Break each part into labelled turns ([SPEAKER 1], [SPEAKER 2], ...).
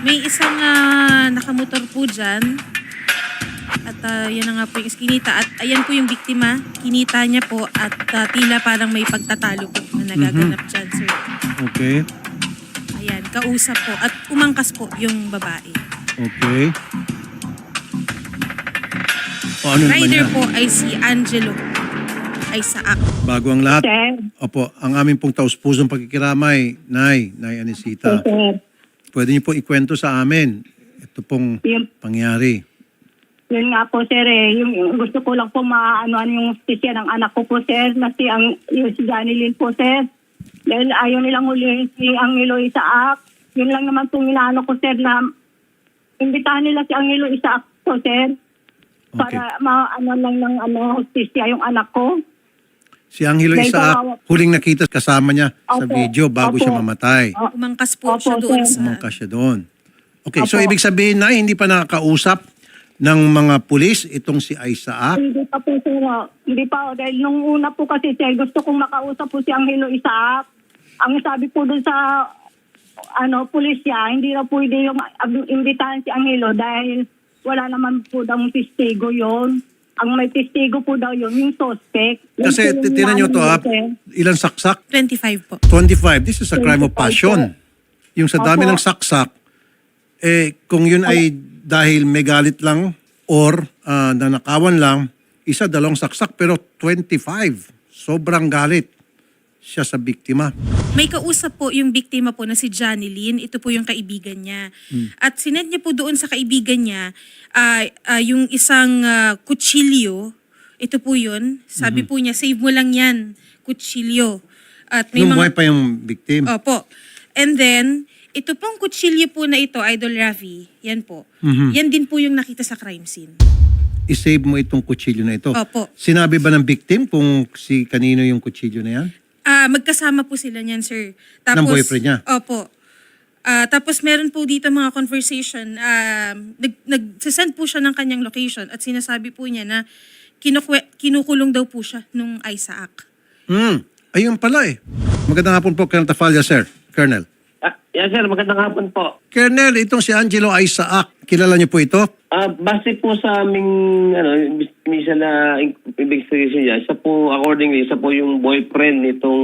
[SPEAKER 1] May isang nakamotor po dyan. At yan na nga po yung iskinita. At ayan po yung biktima. Kinita niya po at tila parang may pagtatalo po na nagaganap dyan, sir.
[SPEAKER 2] Okay.
[SPEAKER 1] Ayan, kausap po. At umangkas po yung babae.
[SPEAKER 2] Okay. O ano naman
[SPEAKER 1] Rider
[SPEAKER 2] yan?
[SPEAKER 1] po ay si Angelo Isaac.
[SPEAKER 2] Bago ang lahat.
[SPEAKER 3] Sir.
[SPEAKER 2] Opo, ang aming pong taus-pusong pagkikiramay, Nay Anisita.
[SPEAKER 3] Sir.
[SPEAKER 2] Pwede niyo po ikwento sa amin. Ito pong
[SPEAKER 3] Yun,
[SPEAKER 2] pangyari.
[SPEAKER 3] yun nga po, sir. Yung gusto ko lang po maano yung stisya ng anak ko po, sir. Na yung si Johnny Lynn po, sir. Dahil ayaw nilang hulihin si Angelo Isaac. Yun lang naman po inaano ko, sir, na imbitahan nila si Angelo Isaac po, sir. Para maano lang ng hustisya yung anak ko.
[SPEAKER 2] Si Angelo
[SPEAKER 3] May
[SPEAKER 2] Isaac,
[SPEAKER 3] kawawa.
[SPEAKER 2] huling nakita kasama niya sa
[SPEAKER 3] Opo.
[SPEAKER 2] video bago
[SPEAKER 3] Opo.
[SPEAKER 2] siya mamatay.
[SPEAKER 1] Umangkas po
[SPEAKER 3] Opo,
[SPEAKER 1] siya doon
[SPEAKER 3] sir.
[SPEAKER 1] sa...
[SPEAKER 2] Umangkas siya doon. Okay, so
[SPEAKER 3] Opo.
[SPEAKER 2] ibig sabihin na hindi pa nakakausap ng mga pulis itong si Isaac.
[SPEAKER 3] Hindi pa po, sir. Hindi pa. Dahil nung una po kasi, sir, gusto kong makausap po si Angelo Isaac. Ang sabi po dun sa pulisya, hindi na pwede yung imbitahan si Angelo dahil wala naman po daw testigo yon. Ang may testigo po daw yun, yung suspect.
[SPEAKER 2] Kasi
[SPEAKER 3] Yun po yung
[SPEAKER 2] tinan nyo to
[SPEAKER 3] inaano
[SPEAKER 2] ha,
[SPEAKER 3] sir.
[SPEAKER 2] ilang saksak?
[SPEAKER 1] 25 po.
[SPEAKER 2] 25. This is a crime of
[SPEAKER 3] 25
[SPEAKER 2] passion. Yung sa dami
[SPEAKER 3] Opo.
[SPEAKER 2] ng saksak, kung yun ay dahil may galit lang or nanakawan lang, isa, dalawang saksak, pero 25. Sobrang galit siya sa biktima.
[SPEAKER 1] May kausap po yung biktima po na si Johnny Lynn. Ito po yung kaibigan niya. At sinend niya po doon sa kaibigan niya yung isang kutsilyo. Ito po yun. Sabi po niya, save mo lang yan, kutsilyo. At may
[SPEAKER 2] Nung
[SPEAKER 1] mga...
[SPEAKER 2] buhay pa yung victim.
[SPEAKER 1] Opo. And then, ito pong kutsilyo po na ito, Idol Rafi, yan po. Yan din po yung nakita sa crime scene.
[SPEAKER 2] I-save mo itong kutsilyo na ito.
[SPEAKER 1] Opo.
[SPEAKER 2] Sinabi ba ng victim kung si kanino yung kutsilyo na yan?
[SPEAKER 1] Magkasama po sila niyan, sir. Tapos,
[SPEAKER 2] Ng boyfriend niya?
[SPEAKER 1] Opo. Tapos meron po dito mga conversation. Nagsasend po siya ng kanyang location at sinasabi po niya na kinukulong daw po siya nung Isaac.
[SPEAKER 2] Ayun pala eh. Magandang hapon po, Colonel Tafalla, sir. Colonel.
[SPEAKER 4] Yes, sir. Magandang hapon po.
[SPEAKER 2] Colonel, itong si Angelo Isaac, kilala niyo po ito?
[SPEAKER 4] Base po sa aming minsan na investigation niya, isa po, accordingly, isa po yung boyfriend nitong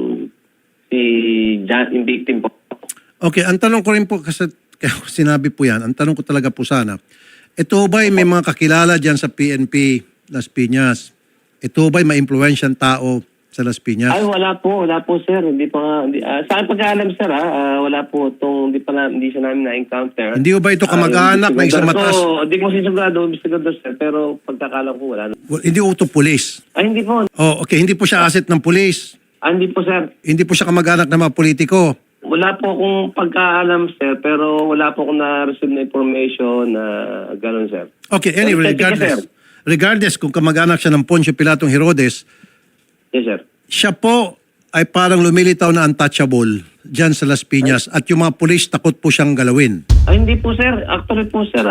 [SPEAKER 4] si John, yung victim po.
[SPEAKER 2] Okay, ang tanong ko rin po, kasi kaya sinabi po yan, ang tanong ko talaga po sana, ito ba'y may mga kakilala dyan sa PNP Las Piñas? Ito ba'y ma-influensyang tao sa Las Piñas?
[SPEAKER 4] Ay, wala po, sir. Hindi pa nga, sa akin pagkaalam, sir, wala po itong, hindi siya namin na-encounter.
[SPEAKER 2] Hindi ba ito kamag-anak ng isang mataas?
[SPEAKER 4] Hindi ko sigurado, sir, pero pagkakalam ko, wala.
[SPEAKER 2] Hindi ito pulis.
[SPEAKER 4] Ay, hindi po.
[SPEAKER 2] Oh, okay, hindi po siya asset ng pulis.
[SPEAKER 4] Hindi po, sir.
[SPEAKER 2] Hindi po siya kamag-anak ng mga politiko.
[SPEAKER 4] Wala po akong pagkaalam, sir, pero wala po akong na-receive na information na gano'n, sir.
[SPEAKER 2] Okay, anyway,
[SPEAKER 4] Thank you, sir.
[SPEAKER 2] regardless kung kamag-anak siya ng Poncio Pilatong Herodes,
[SPEAKER 4] Yes, sir.
[SPEAKER 2] siya po ay parang lumilitaw na untouchable dyan sa Las Piñas at yung mga pulis takot po siyang galawin.
[SPEAKER 4] Ay, hindi po, sir. Actually po, sir,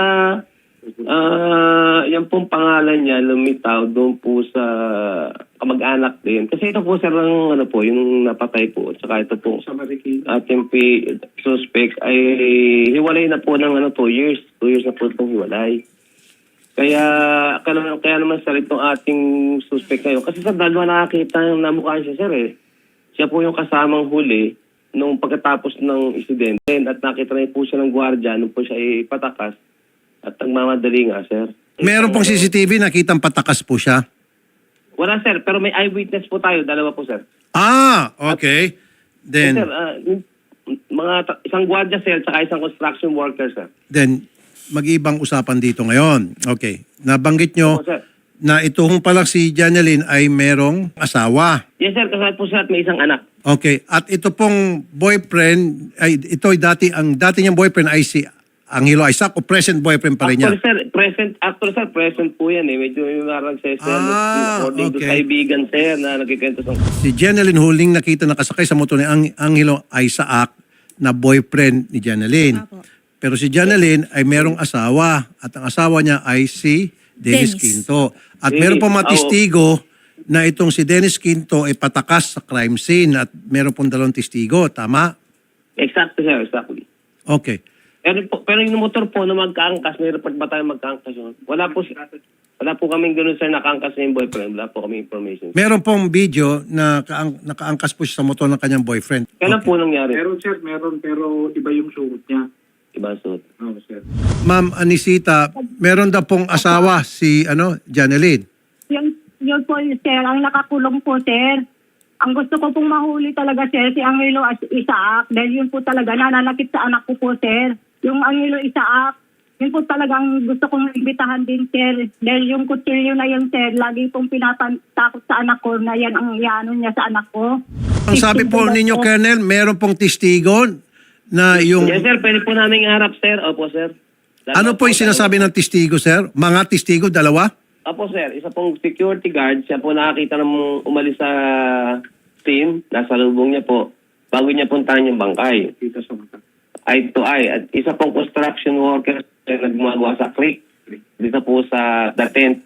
[SPEAKER 4] yan pong pangalan niya, lumitaw doon po sa kamag-anak din. Kasi ito po, sir, ang yung napatay po. Tsaka ito po, ating suspect ay hiwalay na po ng 2 years. 2 years na po itong hiwalay. Kaya naman, sir, itong ating suspect ngayon. Kasi, sir, dalawa nakakita na mukha siya, sir, eh. Siya po yung kasamang huli nung pagkatapos ng insidente at nakita na po siya ng gwardiya nung po siya ipatakas at nagmamadali nga, sir.
[SPEAKER 2] Meron pong CCTV, nakitang patakas po siya.
[SPEAKER 4] Wala, sir, pero may eyewitness po tayo, dalawa po, sir.
[SPEAKER 2] Okay. Then,
[SPEAKER 4] Sir, isang gwardiya, sir, saka isang construction worker, sir.
[SPEAKER 2] mag-ibang usapan dito ngayon. Okay. Nabanggit nyo
[SPEAKER 4] Opo, sir.
[SPEAKER 2] na itong palang si Janeline ay merong asawa.
[SPEAKER 4] Yes, sir, kasal po siya at may isang anak.
[SPEAKER 2] Okay. At ito pong boyfriend, ang dati niyang boyfriend ay si Angelo Isaac o present boyfriend pa rin niya?
[SPEAKER 4] Actually, sir, present po yan, eh. Medyo yung marang sir, according to
[SPEAKER 2] okay.
[SPEAKER 4] kaibigan, sir, na nagkikwento sa...
[SPEAKER 2] Si Janeline huling nakita nakasakay sa motor ni Angelo Isaac na boyfriend ni Janeline.
[SPEAKER 1] Apo.
[SPEAKER 2] Pero si Janeline ay merong asawa at ang asawa niya ay si Dennis Quinto. At meron pong matistigo na itong si Dennis Quinto ay patakas sa crime scene at meron pong 2 testigo. Tama?
[SPEAKER 4] Exactly, sir, exactly.
[SPEAKER 2] Okay.
[SPEAKER 4] Pero yung motor po na magkaangkas, may report ba tayo magkaangkas yun? Wala po kaming ganun sir, nakaangkas na yung boyfriend. Wala po kami information.
[SPEAKER 2] Meron pong video na nakaangkas po siya sa motor ng kanyang boyfriend.
[SPEAKER 4] Kailan po nangyari?
[SPEAKER 5] Meron sir, meron, pero iba yung suot niya.
[SPEAKER 4] Ibang suot.
[SPEAKER 5] Oo sir.
[SPEAKER 2] Ma'am Anisita, meron daw pong asawa si Janeline.
[SPEAKER 3] Yun po, sir, ang nakakulong po, sir. Ang gusto ko pong mahuli talaga, sir, si Angelo Isaac. Dahil yun po talaga, nananakit sa anak ko po, sir. Yung Angelo Isaac, yun po talagang gusto kong imbitahan din, sir. Dahil yung kutsilyo na yun, sir, lagi pong pinatakot sa anak ko na yan ang iano niya sa anak ko.
[SPEAKER 2] Ang sabi po ninyo, Colonel, meron pong testigo na yung...
[SPEAKER 4] Yes sir, pwede po namin harap sir. Opo sir.
[SPEAKER 2] Ano po yung sinasabi ng testigo, sir? Mga testigo, dalawa?
[SPEAKER 4] Opo sir, isa pong security guard. Siya po nakakita nang umalis sa scene. Nasa lubong niya po. Bago niya puntahan yung bangkay.
[SPEAKER 5] Kita sa mata.
[SPEAKER 4] Eye to eye. At isa pong construction worker na gumagawa sa creek. Dito po sa the tent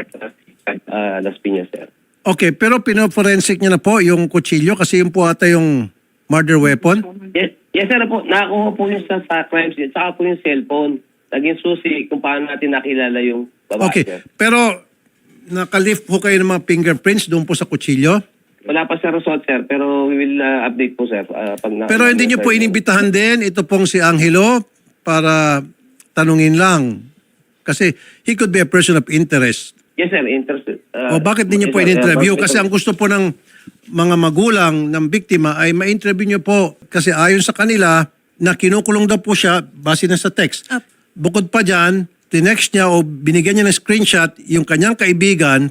[SPEAKER 4] Las Piñas sir.
[SPEAKER 2] Okay, pero pinoforensic niya na po yung kutsilyo kasi yun po ata yung murder weapon.
[SPEAKER 4] Yes sir po. Nakakuha po yung sa crime scene. Saka po yung cellphone. Naging susi kung paano natin nakilala yung babae
[SPEAKER 2] Okay,
[SPEAKER 4] sir.
[SPEAKER 2] pero nakalift po kayo ng mga fingerprints doon po sa kutsilyo?
[SPEAKER 4] Wala pa sa result sir, pero we will update po sir.
[SPEAKER 2] Pero hindi niyo po inimbitahan din ito pong si Angelo para tanungin lang. Kasi he could be a person of interest.
[SPEAKER 4] Yes sir, interested.
[SPEAKER 2] O bakit hindi niyo po in-interview? Kasi ang gusto po ng mga magulang ng biktima ay ma-interview niyo po. Kasi ayon sa kanila na kinukulong daw po siya base na sa text.
[SPEAKER 1] Up.
[SPEAKER 2] Bukod pa dyan, tinext niya o binigyan niya ng screenshot yung kanyang kaibigan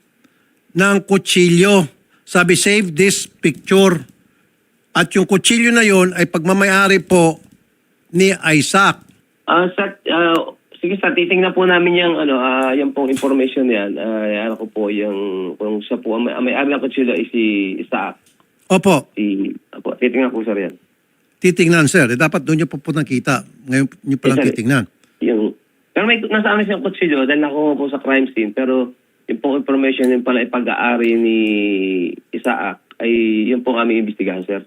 [SPEAKER 2] ng kutsilyo. Sabi, save this picture. At yung kutsilyo na yon ay pagmamayari po ni Isaac.
[SPEAKER 4] Sir, sige sir, titingnan po namin yung yung pong information yan. Ano ko po yung kung siya po ang may-ari ng kutsilyo ay si Isaac.
[SPEAKER 2] Opo,
[SPEAKER 4] Titingnan po sir yan.
[SPEAKER 2] titingnan sir. Dapat doon niyo po nakita. Ngayon niyo palang
[SPEAKER 4] Yes, sir.
[SPEAKER 2] titingnan.
[SPEAKER 4] Pero may nasa amin siyang kutsilyo dahil nakuha po sa crime scene. Pero yung pong information yung pala ipag-aari ni Isaac ay yung pong aming imbestigahan sir.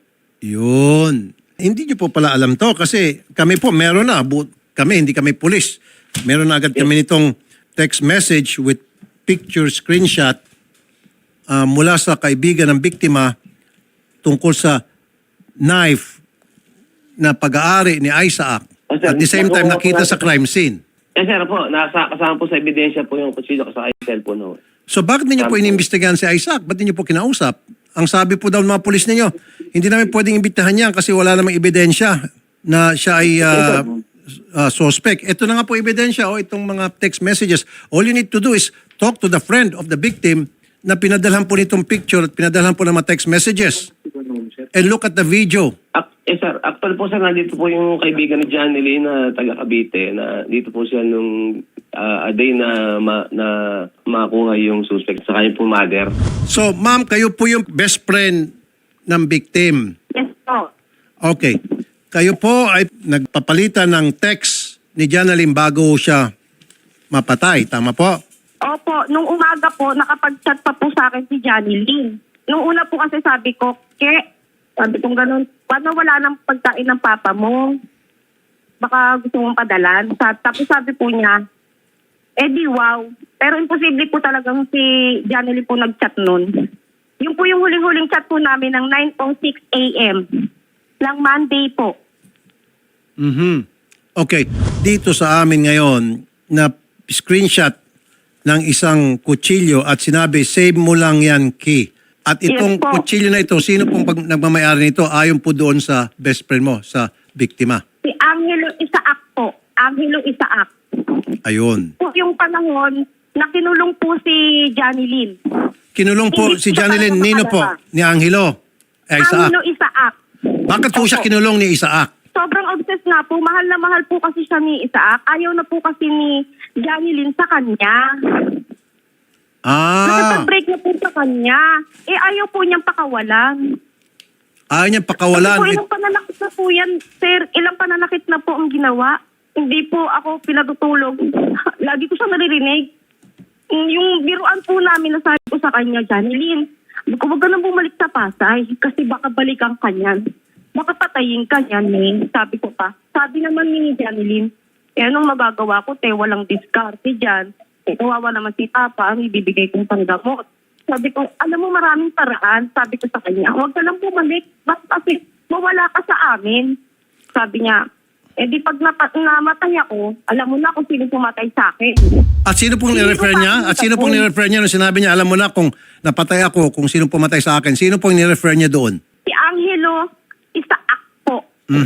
[SPEAKER 2] Yun. Hindi niyo po pala alam to kasi kami po meron na. Kami, hindi kami pulis. Meron na agad kami nitong text message with picture screenshot mula sa kaibigan ng biktima tungkol sa knife na pag-aari ni Isaac. At the same time, nakita sa crime scene.
[SPEAKER 4] Yes sir po, kasama po sa ebidensya po yung kutsilyo kasama yung cellphone ho.
[SPEAKER 2] So bakit ninyo po inimbestigahan si Isaac? Ba't ninyo po kinausap? Ang sabi po daw ng mga pulis ninyo, hindi namin pwedeng imbitahan yan kasi wala namang ebidensya na siya ay suspect. Ito na nga po ebidensya o itong mga text messages. All you need to do is talk to the friend of the victim na pinadalhan po nitong picture at pinadalhan po ng mga text messages. And look at the video.
[SPEAKER 4] Yes sir, actually po sir, nandito po yung kaibigan ni Janeline na taga Cavite na dito po siya nung a day na makuha yung suspect sa kanyang po mother.
[SPEAKER 2] So ma'am, kayo po yung best friend ng victim.
[SPEAKER 3] Yes po.
[SPEAKER 2] Okay. Kayo po ay nagpapalitan ng text ni Janeline bago siya mapatay. Tama po?
[SPEAKER 6] Opo, nung umaga po, nakapag-chat pa po sa akin si Johnny Lynn. Nung una po kasi sabi ko, sabi kong ganun, paano wala nang pagkain ng papa mo? Baka gusto mong padalan. Tapos sabi po niya, di wow. Pero imposible po talagang si Johnny Lynn po nag-chat nun. Yung po yung huling-huling chat po namin ng 9:06 a.m. lang Monday po.
[SPEAKER 2] Okay. Dito sa amin ngayon na screenshot ng isang kutsilyo at sinabi, save mo lang yan, Key. At itong
[SPEAKER 6] Yes po.
[SPEAKER 2] kutsilyo na ito, sino pong nagmamayari nito ayon po doon sa best friend mo, sa biktima?
[SPEAKER 6] Si Angelo Isaac po. Angelo Isaac.
[SPEAKER 2] Ayun.
[SPEAKER 6] Po yung panahon na kinulong po si Johnny Lynn.
[SPEAKER 2] Kinulong po
[SPEAKER 6] Hindi
[SPEAKER 2] si
[SPEAKER 6] ko
[SPEAKER 2] Janeline
[SPEAKER 6] pa
[SPEAKER 2] Nino po,
[SPEAKER 6] nakalala.
[SPEAKER 2] ni Angelo. Isaac.
[SPEAKER 6] Angelo Isaac.
[SPEAKER 2] Bakit po siya
[SPEAKER 6] Opo.
[SPEAKER 2] kinulong ni Isaac?
[SPEAKER 6] Sobrang obsessed na po. Mahal na mahal po kasi siya ni Isaac. Ayaw na po kasi ni Johnny Lynn sa kanya. Nakipag-break na po sa kanya. Ayaw po niyang pakawalan.
[SPEAKER 2] Ayaw niya
[SPEAKER 6] Kasi
[SPEAKER 2] pakawalan.
[SPEAKER 6] po, ilang pananakit na po yan, sir. Ilang pananakit na po ang ginawa. Hindi po ako pinatutulog. Lagi ko siya naririnig. Yung biruan po namin na sabi ko sa kanya, Johnny Lynn, huwag ka nang bumalik sa Pasay kasi baka balikan ka niyan. makapatayin ka niyan eh. Sabi ko pa. Sabi naman ni Janeline, anong magagawa ko, walang diskarte dyan. Kawawa naman si Papa, ang ibibigay kong panggamot. Sabi ko, alam mo maraming paraan. Sabi ko sa kanya, huwag ka lang bumalik. Bakit kasi mawala ka sa amin? Sabi niya, di pag namatay ako, alam mo na kung sino pumatay sa akin.
[SPEAKER 2] At sino pong nirefer niya? At sino pong nirefer niya nung sinabi niya, alam mo na kung napatay ako, kung sino pumatay sa akin? Sino pong nirefer niya doon?
[SPEAKER 6] Si Angelo Isaac po.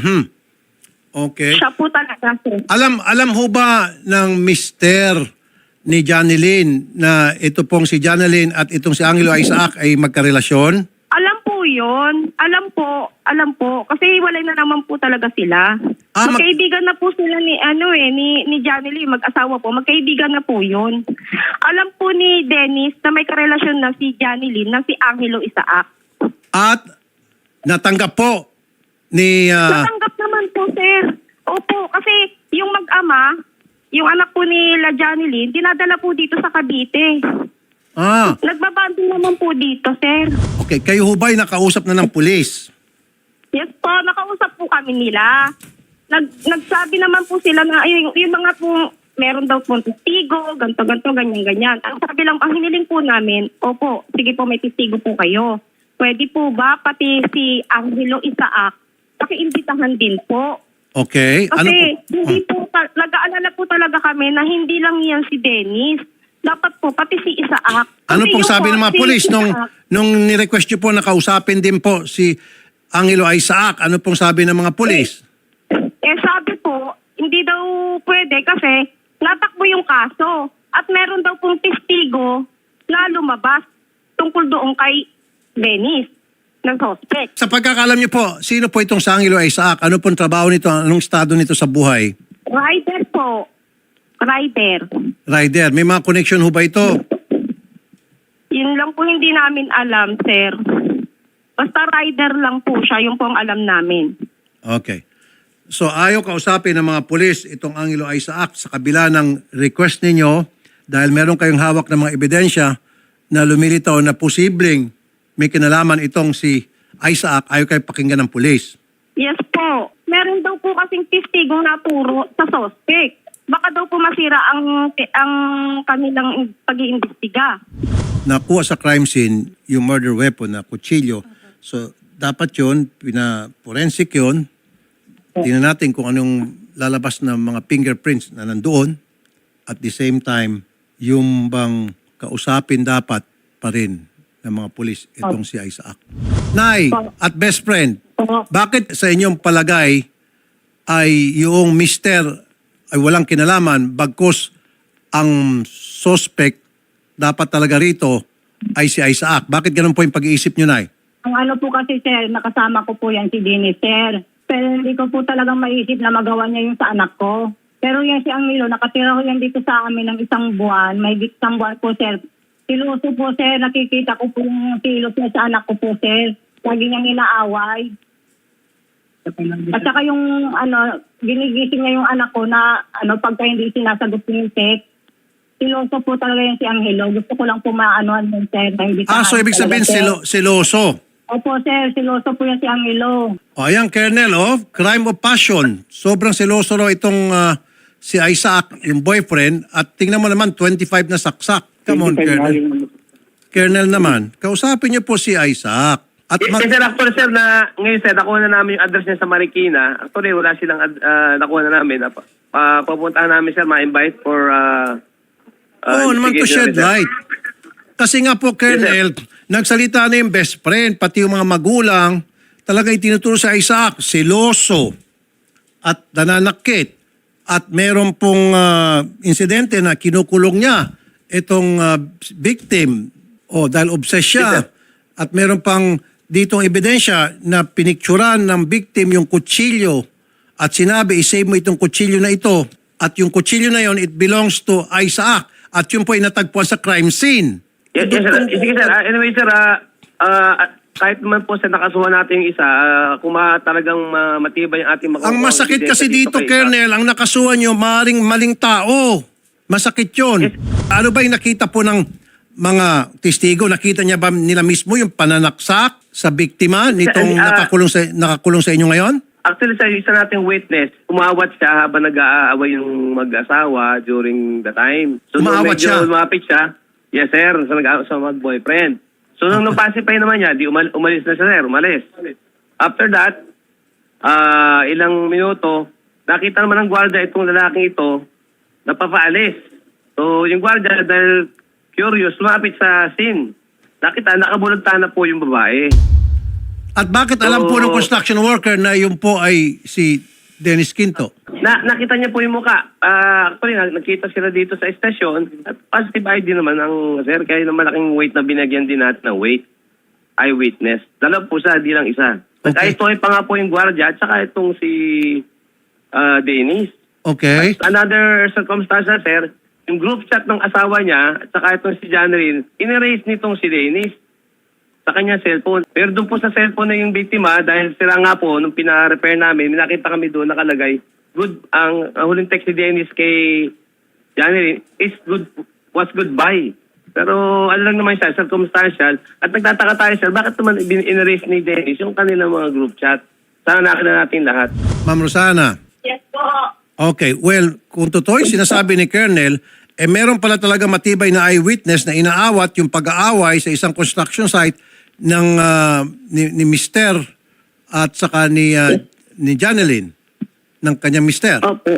[SPEAKER 2] Okay.
[SPEAKER 6] Siya po talaga, sir.
[SPEAKER 2] Alam ho ba ng mister ni Janeline na ito pong si Janeline at itong si Angelo Isaac ay magkarelasyon?
[SPEAKER 6] Alam po yun. Alam po. Kasi walay na naman po talaga sila. Magkaibigan na po sila ni Janeline, mag-asawa po. Magkaibigan na po yun. Alam po ni Dennis na may karelasyon na si Janeline na si Angelo Isaac.
[SPEAKER 2] At natanggap po ni...
[SPEAKER 6] Natanggap naman po, sir. Opo, kasi yung mag-ama, yung anak po ni La Janeline, dinadala po dito sa Cavite. Nagbabanding naman po dito, sir.
[SPEAKER 2] Okay, kayo ho ba'y nakausap na ng pulis?
[SPEAKER 6] Yes po, nakausap po kami nila. Nagsabi naman po sila na yung mga po, meron daw po testigo, ganto, ganyan. Ang sabi lang, ang hiniling po namin, opo, sige po may testigo po kayo. Pwede po ba pati si Angelo Isaac, pakiimbitahan din po.
[SPEAKER 2] Okay.
[SPEAKER 6] Kasi hindi po, nag-aalala po talaga kami na hindi lang yan si Dennis. Dapat po, pati si Isaac.
[SPEAKER 2] Ano
[SPEAKER 6] Kasi
[SPEAKER 2] pong
[SPEAKER 6] yung
[SPEAKER 2] sabi ng mga
[SPEAKER 6] si
[SPEAKER 2] pulis
[SPEAKER 6] Isaac,
[SPEAKER 2] nung ni-request nyo po na kausapin din po si Angelo Isaac? Ano pong sabi ng mga pulis?
[SPEAKER 6] sabi po, hindi daw pwede kasi natakbo yung kaso. At meron daw pong testigo na lumabas tungkol doon kay Dennis ng suspect.
[SPEAKER 2] Sa pagkakalam nyo po, sino po itong si Angelo Isaac? Ano pong trabaho nito? Anong estado nito sa buhay?
[SPEAKER 6] Rider po. Rider.
[SPEAKER 2] Rider. May mga connection ho ba ito?
[SPEAKER 6] Yun lang po hindi namin alam, sir. Basta rider lang po siya, yung pong alam namin.
[SPEAKER 2] Okay. So ayaw kausapin ng mga pulis itong Angelo Isaac sa kabila ng request ninyo dahil meron kayong hawak ng mga ebidensya na lumilitaw na posibleng may kinalaman itong si Isaac, ayaw kayo pakinggan ng pulis.
[SPEAKER 6] Yes po. Meron daw po kasing testigong naturo sa suspect. Baka daw po masira ang kanilang pag-iimbestiga.
[SPEAKER 2] Nakuha sa crime scene yung murder weapon na kutsilyo. So dapat yun, pina-forensic yun. Tingnan natin kung anong lalabas ng mga fingerprints na nandoon. At the same time, yung bang kausapin dapat pa rin ng mga pulis itong si Isaac. Nay, at best friend, bakit sa inyong palagay ay yung mister ay walang kinalaman bagkus ang suspect dapat talaga rito ay si Isaac? Bakit ganun po yung pag-iisip nyo, Nay?
[SPEAKER 3] Ang ano po kasi, sir, nakasama ko po yan si Dennis, sir. Pero hindi ko po talagang maisip na magawa niya yung sa anak ko. Pero yan si Angelo, nakatira ko yan dito sa amin ng isang buwan. May isang buwan po, sir. Siluso po, sir. Nakikita ko po yung silos niya sa anak ko po, sir. Lagi niyang inaaway. At saka yung, ginigising niya yung anak ko na, pagka hindi sinasagot yung text. Siloso po talaga yan si Angelo. Gusto ko lang po maanoan yun, sir.
[SPEAKER 2] So ibig sabihin siloso.
[SPEAKER 3] Opo, sir. Siloso po yan si Angelo.
[SPEAKER 2] O ayan, Colonel, crime of passion. Sobrang siloso raw itong si Isaac, yung boyfriend. At tingnan mo naman, 25 na saksak. Come on, Colonel. Colonel naman, kausapin niyo po si Isaac. At
[SPEAKER 4] Sir, actually, sir, ngayon, sir, nakuha na namin yung address niya sa Marikina. Actually, wala silang nakuha na namin. Papuntahan namin, sir, ma-invite for...
[SPEAKER 2] naman to shed light. Kasi nga po, Colonel, nagsalita na yung best friend, pati yung mga magulang, talaga itinuturo sa Isaac, seloso at nananakit. At meron pong insidente na kinukulong niya itong victim dahil obsessed siya. At meron pang ditong ebidensya na pinikturan ng victim yung kutsilyo at sinabi, isave mo itong kutsilyo na ito. At yung kutsilyo na yon, it belongs to Isaac. At yun po ay natagpuan sa crime scene.
[SPEAKER 4] Yes, sir. Sige, sir. Anyway, sir, kahit naman po sa nakasuhan natin yung isa, kung talagang matibay ang ating
[SPEAKER 2] Ang masakit kasi dito, Colonel, ang nakasuhan nyo, maring maling tao. Masakit yun.
[SPEAKER 4] Yes.
[SPEAKER 2] Ano ba yung nakita po ng mga testigo? Nakita niya ba nila mismo yung pananaksak sa biktima nitong
[SPEAKER 4] Ah,
[SPEAKER 2] nakakulong sa inyo ngayon?
[SPEAKER 4] Actually, sa isa nating witness, umawat siya habang nag-aaway yung mag-asawa during the time. So, nung
[SPEAKER 2] Umawat
[SPEAKER 4] medyo
[SPEAKER 2] siya?
[SPEAKER 4] lumapit siya, yes sir, sa mag-boyfriend. So, nung napacify naman niya, di umalis na siya sir, umalis. After that, ilang minuto, nakita naman ng gwardiya itong lalaking ito, napapaalis. So, yung gwardiya, dahil curious, lumapit sa scene. Nakita, nakabulagta na po yung babae.
[SPEAKER 2] At bakit alam po ng construction worker na yun po ay si Dennis Quinto?
[SPEAKER 4] Nakita niya po yung mukha. Actually, nakita sila dito sa estasyon. At positive ID naman ang sir. Kaya ng malaking weight na binagyan din natin ng weight. Eyewitness. Dalawa po siya, di lang isa.
[SPEAKER 2] Okay.
[SPEAKER 4] Kaya ito ay pa nga po yung gwardiya at saka itong si Dennis.
[SPEAKER 2] Okay.
[SPEAKER 4] Another circumstance na sir, yung group chat ng asawa niya at saka itong si Janeline, in-erase nitong si Dennis sa kanya cellphone. Pero doon po sa cellphone na yung biktima, dahil sila nga po, nung pina-repair namin, nakita kami doon nakalagay, good, ang huling text ni Dennis kay Janeline was goodbye. Pero ano lang naman siya, circumstantial. At nagtataka tayo, sir, bakit naman in-erase ni Dennis yung kanilang mga group chat? Sana nakita natin lahat.
[SPEAKER 2] Ma'am Rosana.
[SPEAKER 3] Yes po.
[SPEAKER 2] Okay, well, kung totoo yung sinasabi ni Colonel, meron pala talaga matibay na eyewitness na inaawat yung pag-aaway sa isang construction site ng ni Mister at saka ni Janeline ng kanyang Mister.
[SPEAKER 6] Opo.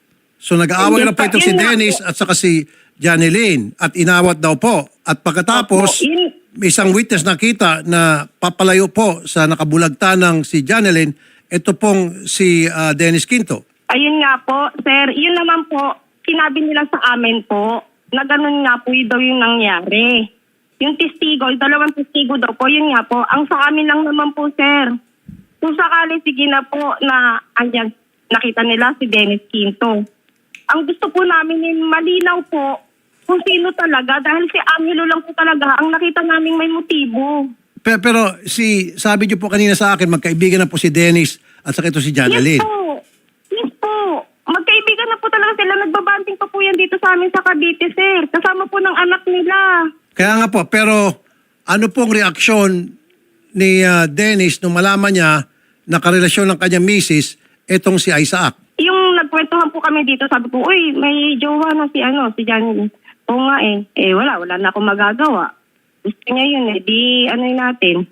[SPEAKER 2] So nag-aaway na po itong si
[SPEAKER 6] Yun nga
[SPEAKER 2] Dennis at saka si Janeline at inawat daw po. At pagkatapos,
[SPEAKER 6] Opo, yun-
[SPEAKER 2] may isang witness nakita na papalayo po sa nakabulagta ng si Janeline, ito pong si Dennis Quinto.
[SPEAKER 6] Ayun nga po, sir. Yun naman po, sinabi nila sa amin po na ganun nga po yun daw yung nangyari. Yung testigo, yung 2 testigo daw po, yun nga po. Ang sa amin lang naman po, sir. Kung sakali, sige na po na andyan, nakita nila si Dennis Quinto. Ang gusto po namin yung malinaw po kung sino talaga dahil si Angelo lang po talaga ang nakita naming may motibo.
[SPEAKER 2] Pero sabi niyo po kanina sa akin, magkaibigan na po si Dennis at saka ito si Janeline.
[SPEAKER 6] Yes po. Yes po. Magkaibigan na po talaga sila. Nagbabanting pa po yan dito sa amin sa Cavite, sir. Kasama po ng anak nila.
[SPEAKER 2] Kaya nga po, pero ano pong reaksyon ni Dennis nung malaman niya na karelasyon ng kanyang misis itong si Isaac?
[SPEAKER 6] Yung nagkwentuhan po kami dito, sabi ko, uy, may jowa na si Johnny. Oo nga wala na akong magagawa. Gusto niya yun di natin.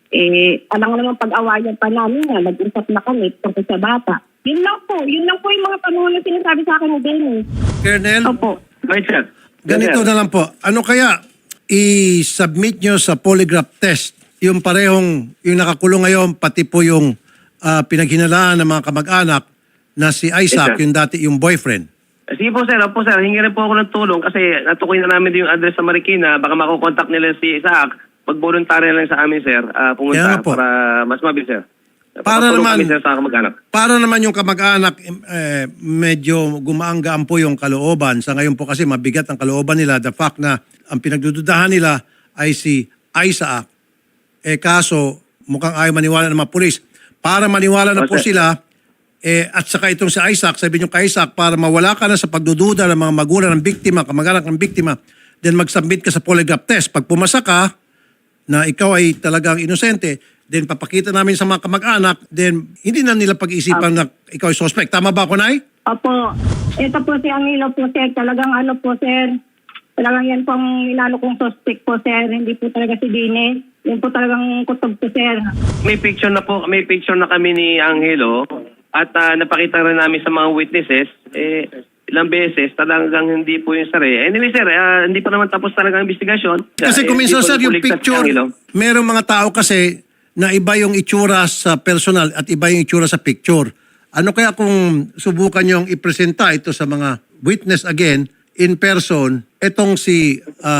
[SPEAKER 6] Alam nga naman pag-awayan pa namin na, nag-usap na kami tungkol sa bata. Yun lang po yung mga panahon na sinasabi sa akin ni Dennis.
[SPEAKER 2] Colonel,
[SPEAKER 6] Opo.
[SPEAKER 4] Right, sir.
[SPEAKER 2] ganito na lang po. Ano kaya i-submit nyo sa polygraph test yung parehong, yung nakakulong ngayon, pati po yung pinaghinalaan ng mga kamag-anak na si Isaac,
[SPEAKER 4] Yes, sir.
[SPEAKER 2] yung dati yung boyfriend?
[SPEAKER 4] Sige po sir, opo sir, hingi rin po ako ng tulong kasi natukoy na namin yung address sa Marikina, baka makukontakt nila si Isaac, mag-voluntary lang sa amin sir,
[SPEAKER 2] Kaya
[SPEAKER 4] pumunta
[SPEAKER 2] nga po.
[SPEAKER 4] para mas mabilis sir.
[SPEAKER 2] Para
[SPEAKER 4] Papatulong
[SPEAKER 2] naman-
[SPEAKER 4] kami sir sa kamag-anak.
[SPEAKER 2] Para naman yung kamag-anak, medyo gumaanggaan po yung kalooban. Sa ngayon po kasi mabigat ang kalooban nila. The fact na ang pinagdududahan nila ay si Isaac. Kaso mukhang ayaw maniwala ng mga pulis. Para maniwala na po
[SPEAKER 4] Okay.
[SPEAKER 2] sila, at saka itong si Isaac, sabi niyo kay Isaac, para mawala ka na sa pagdududa ng mga magulang ng biktima, kamag-anak ng biktima, then mag-submit ka sa polygraph test. Pag pumasa ka, na ikaw ay talagang inosente, then papakita namin sa mga kamag-anak, then hindi na nila pag-iisipan na ikaw ay suspect. Tama ba ako, Nay?
[SPEAKER 3] Opo. Ito po si Angelo po, sir. Talagang po, sir. Talagang yan pong inano kong suspect po, sir. Hindi po talaga si Dine. Yan po talagang kutob po, sir.
[SPEAKER 4] May picture na kami ni Angelo at napakita rin namin sa mga witnesses, ilang beses talagang hindi po yung sir. Anyway sir, hindi pa naman tapos talaga ang investigasyon.
[SPEAKER 2] Kasi kung minsan,
[SPEAKER 4] Hindi po
[SPEAKER 2] sir, yung
[SPEAKER 4] napuligtas si
[SPEAKER 2] picture,
[SPEAKER 4] Angelo.
[SPEAKER 2] merong mga tao kasi na iba yung itsura sa personal at iba yung itsura sa picture. Ano kaya kung subukan yung ipresenta ito sa mga witness again, in person, itong si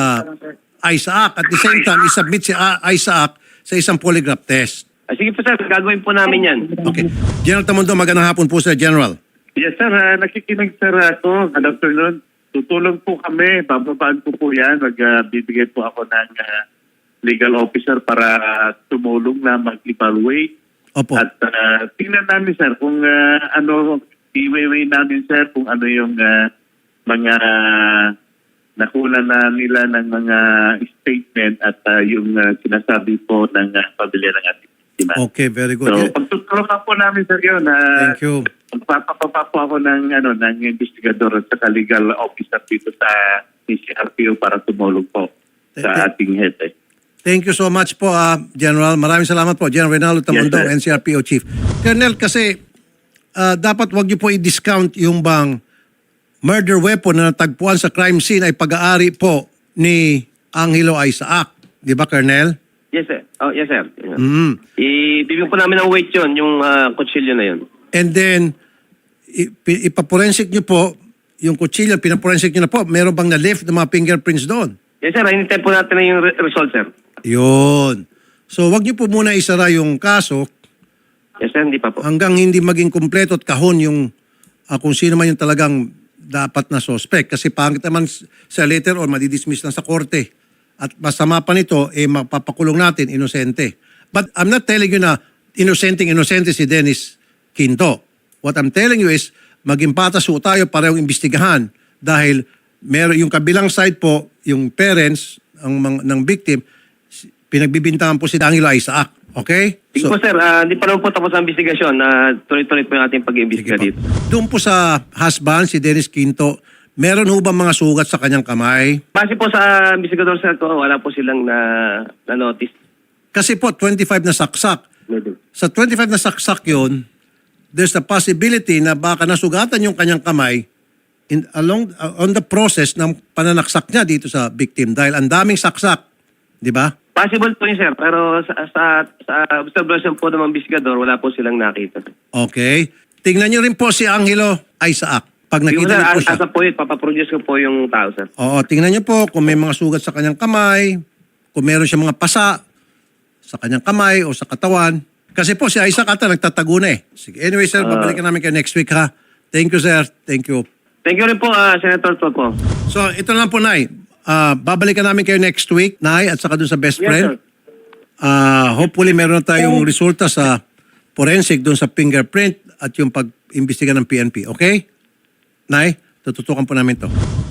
[SPEAKER 2] Isaac. At the same time, isubmit si Isaac sa isang polygraph test.
[SPEAKER 4] Sige po sir, gagawin po namin yan.
[SPEAKER 2] Okay. General Tamundo, magandang hapon po, Sir General.
[SPEAKER 7] Yes sir, nakikinig sir ako. Good afternoon. Tutulong po kami. Bababaan ko po yan. Magbibigay po ako ng legal officer para tumulong na mag-evaluate.
[SPEAKER 2] Opo.
[SPEAKER 7] At tingnan namin sir kung i-weigh namin sir kung ano yung mga nakuna na nila ng mga statement at yung sinasabi po ng pamilya ng ating biktima.
[SPEAKER 2] Okay, very good.
[SPEAKER 7] So, pagtutulungan po namin sir yun na
[SPEAKER 2] Thank you.
[SPEAKER 7] magpapapa po ako ng investigador at saka legal officer dito sa CRPO para tumulong po sa ating head.
[SPEAKER 2] Thank you so much po, General. Maraming salamat po, General Reynaldo Tamundong,
[SPEAKER 7] Yes,
[SPEAKER 2] NCRPO Chief. Colonel, kasi dapat wag niyo po i-discount yung bang murder weapon na natagpuan sa crime scene ay pag-aari po ni Angelo Isaac. Di ba, Colonel?
[SPEAKER 4] Yes, sir. Oh, yes, sir.
[SPEAKER 2] Mm.
[SPEAKER 4] Ibibigyan po namin ng weight yun, yung kutsilyo na yun.
[SPEAKER 2] And then, ipaporensik niyo po yung kutsilyo, pinaporensik niyo na po. Meron bang na-lift ng mga fingerprints doon?
[SPEAKER 4] Yes, sir. Hinintay po natin na yung result, sir.
[SPEAKER 2] Yun. So, wag niyo po muna isara yung kaso
[SPEAKER 4] Yes, sir. Hindi pa po.
[SPEAKER 2] hanggang hindi maging kumpleto at kahon yung kung sino man yung talagang dapat na suspect. Kasi pangit naman sa later or madidismiss lang sa korte. At masama pa nito, mapapakulong natin, inosente. But I'm not telling you na inosente si Dennis Quinto. What I'm telling you is, maging patas po tayo parehong imbestigahan. Dahil meron yung kabilang side po, yung parents ng victim, pinagbibintangan po si Angelo Isaac. Okay?
[SPEAKER 4] Sige po, sir. Hindi pa naman po tapos ang investigasyon. Tuloy-tuloy po yung ating pag-iimbestiga dito.
[SPEAKER 2] Doon po sa husband, si Dennis Quinto, meron ho ba mga sugat sa kanyang kamay?
[SPEAKER 4] Base po sa investigador, sir, ko, wala po silang na-notice.
[SPEAKER 2] Kasi po, 25 na saksak. Sa 25 na saksak yun, there's a possibility na baka nasugatan yung kanyang kamay on the process ng pananaksak niya dito sa victim dahil ang daming saksak. Di ba?
[SPEAKER 4] Possible po yun, sir. Pero sa observation po ng investigador, wala po silang nakita.
[SPEAKER 2] Okay. Tingnan niyo rin po si Angelo Isaac. Pag
[SPEAKER 4] Yung,
[SPEAKER 2] nakita
[SPEAKER 4] sir,
[SPEAKER 2] niyo po siya.
[SPEAKER 4] asa po yun, papaproduce ko po yung tao, sir.
[SPEAKER 2] Oo, tingnan niyo po kung may mga sugat sa kanyang kamay, kung meron siya mga pasa sa kanyang kamay o sa katawan. Kasi po si Isaac ata nagtatago na eh. Sige. Anyway, sir, babalikan namin kayo next week ha. Thank you, sir. Thank you.
[SPEAKER 4] Thank you rin po, Senator Toto.
[SPEAKER 2] So, ito lang po, Nay. Babalikan namin kayo next week, Nay, at saka dun sa best
[SPEAKER 4] Yes,
[SPEAKER 2] friend.
[SPEAKER 4] sir.
[SPEAKER 2] Hopefully, meron na tayong resulta sa forensic dun sa fingerprint at yung pag-imbestiga ng PNP. Okay? Nay, tututukan po namin to.